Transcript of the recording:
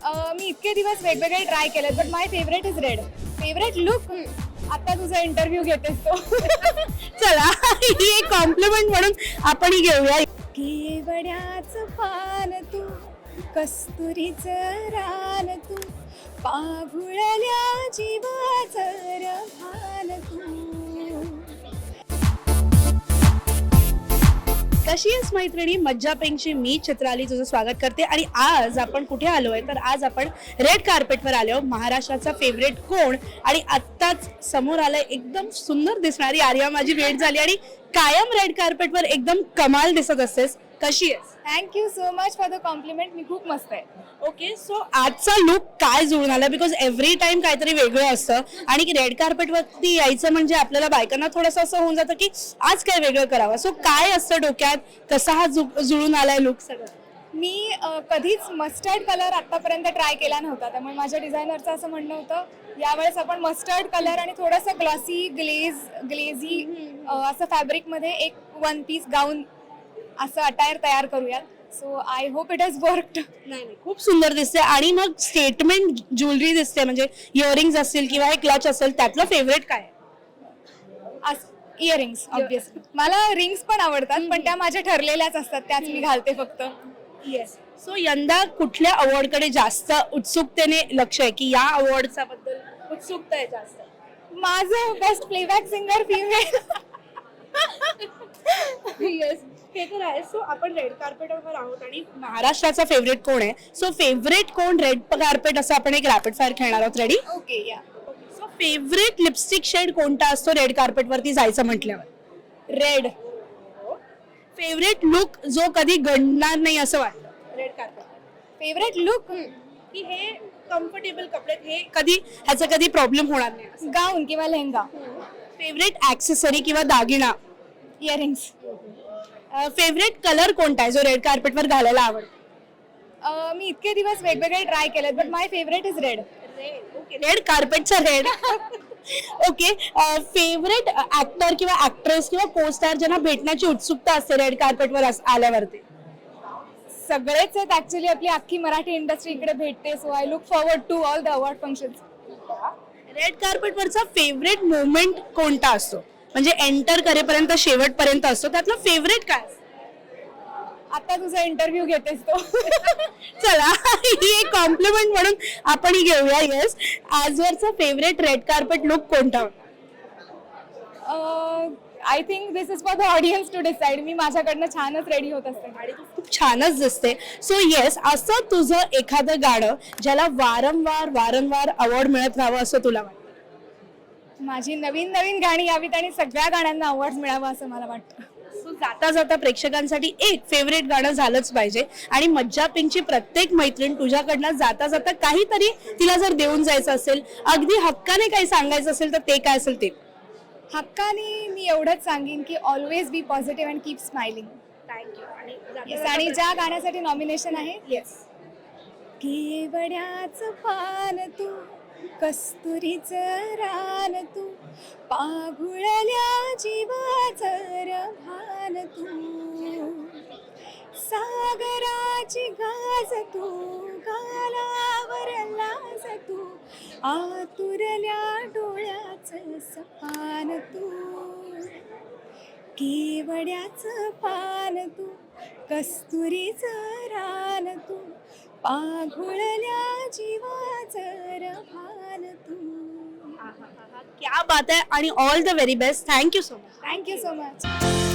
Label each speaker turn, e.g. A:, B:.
A: मी इतके दिवस वेगवेगळे ट्राय केलेत but my favourite is red. Favourite look आता तुझा इंटरव्ह्यू घेतेस तो.
B: चला ही एक कॉम्प्लिमेंट म्हणून आपण ही घेऊया.
A: केवड्याचं पान तू, कस्तुरीचं रान तू, पाघुळल्या जीवाचं रभान तू.
B: कशी आहेस मैत्रिणी? मज्जा पेंगची मी चित्राली तुझं स्वागत करते. आणि आज आपण कुठे आलोय तर आज आपण रेड कार्पेटवर आलो. महाराष्ट्राचा फेवरेट कोण आणि आत्ताच समोर आलंय एकदम सुंदर दिसणारी आर्या माझी भेट झाली. आणि कायम रेड कार्पेटवर एकदम कमाल दिसत असतेस. कशी आहेस?
A: Thank you so much for the compliment. मी खूप मस्त आहे.
B: ओके, सो आजचा लुक काय जुळून आला? बिकॉज एव्हरी टाइम काहीतरी वेगळं असतं आणि रेड कार्पेटवरती यायचं म्हणजे आपल्याला बायकांना थोडंसं असं होऊन जातं की आज काय वेगळं करावं. सो काय असतं डोक्यात? कसा हा जुळून आलाय लुक सगळं?
A: मी कधीच मस्टर्ड कलर आतापर्यंत ट्राय केला नव्हता, त्यामुळे माझ्या डिझायनरचं असं म्हणणं होतं यावेळेस आपण मस्टर्ड कलर आणि थोडंसं ग्लॉसी ग्लेझी असं फॅब्रिकमध्ये एक वन पीस गाऊन असं अटायर तयार करूयात. So I hope it has worked.
B: नाही, खूप सुंदर दिसते. आणि मग स्टेटमेंट ज्वेलरी दिसते, म्हणजे इयरिंग्स असतील किंवा हे क्लच असेल, त्यातलं फेवरेट काय?
A: Earrings obviously. मला रिंग्स पण आवडतात पण त्या माझ्या ठरलेल्याच असतात, त्याच मी घालते फक्त.
B: येस. सो यंदा कुठल्या अवॉर्डकडे जास्त उत्सुकतेने लक्ष आहे की या अवॉर्डचा बद्दल उत्सुकता आहे जास्त?
A: माझं best playback singer female.
B: Yes, हे तर आहे. सो आपण रेड कार्पेटवर आहोत आणि महाराष्ट्राचा फेवरेट कोण आहे? सो फेवरेट कोण रेड कार्पेट असं आपण एक रॅपिड फायर खेळणार आहोत. रेडी?
A: ओके या.
B: सो फेवरेट लिपस्टिक शेड कोणता असतो रेड कार्पेटवरती जायचं म्हटल्यावर?
A: रेड.
B: फेवरेट लुक जो कधी घडणार नाही असं वाटतं रेड कार्पेट?
A: फेवरेट लुक
B: की हे कम्फर्टेबल कपडे, हे कधी ह्याचा कधी प्रॉब्लेम होणार नाही.
A: गाऊन किंवा लेहंगा.
B: फेवरेट ऍक्सेसरी किंवा दागिना?
A: इयरिंग्स.
B: फेवरेट कलर कोणता आहे जो रेड कार्पेटवर घालायला आवडतो?
A: मी इतके दिवस वेगवेगळे ट्राय केलेत but my favourite is red.
B: Red कार्पेटचा रेड. ओके, फेवरेट ऍक्टर किंवा ऍक्ट्रेस किंवा को स्टार ज्यांना भेटण्याची उत्सुकता असते रेड कार्पेटवर आल्यावरती?
A: सगळेच आहेत ऍक्च्युली. आपली अख्खी मराठी इंडस्ट्री इकडे भेटते. So I look forward to all the award functions.
B: Red कार्पेटवरचा फेवरेट मोमेंट कोणता असतो? म्हणजे एंटर करेपर्यंत शेवटपर्यंत असतो, त्यातलं फेवरेट काय?
A: आता तुझा इंटरव्ह्यू घेतेस तो.
B: चला ही एक कॉम्प्लिमेंट म्हणून आपण ही घेऊया. येस, आजवरचा फेवरेट रेड कार्पेट लुक कोणता?
A: I think this is for the audience to decide. मी माझ्याकडनं छानच रेडी होत असते
B: आणि तू खूप छानच दिसते. सो येस, असं तुझं एखादं गाणं ज्याला वारंवार अवॉर्ड मिळत राहावं असं तुला वाटतं?
A: माझी नवीन गाणी यावीत आणि सगळ्या गाण्यांना अवॉर्ड मिळावं असं मला वाटतं.
B: सो जाता प्रेक्षकांसाठी एक फेवरेट गाणं झालंच पाहिजे. आणि मज्जा पिंकची प्रत्येक मैत्रीण तुझ्याकडनं जाता काहीतरी तिला जर देऊन जायचं असेल, अगदी हक्काने काही सांगायचं असेल तर ते काय असेल ते?
A: हक्काने मी एवढंच सांगेन की always be positive and keep smiling.
B: Thank you.
A: आणि ज्या गाण्यासाठी नॉमिनेशन आहे येस. केवड्याचं पान तू, कस्तुरीचं रान तू, पाघुळल्या जीवाचं रभान तू, सागराची गाज तू, गालावर लाज तू, आतुरल्या डोळ्याचं सपान तू, केवड्याचं पान तू, कस्तुरीचं रान तू, पाघुळल्या जीवाचं रभान तू.
B: क्या बात आहे. आणि all the very best. Thank you so much.
A: Thank you so much.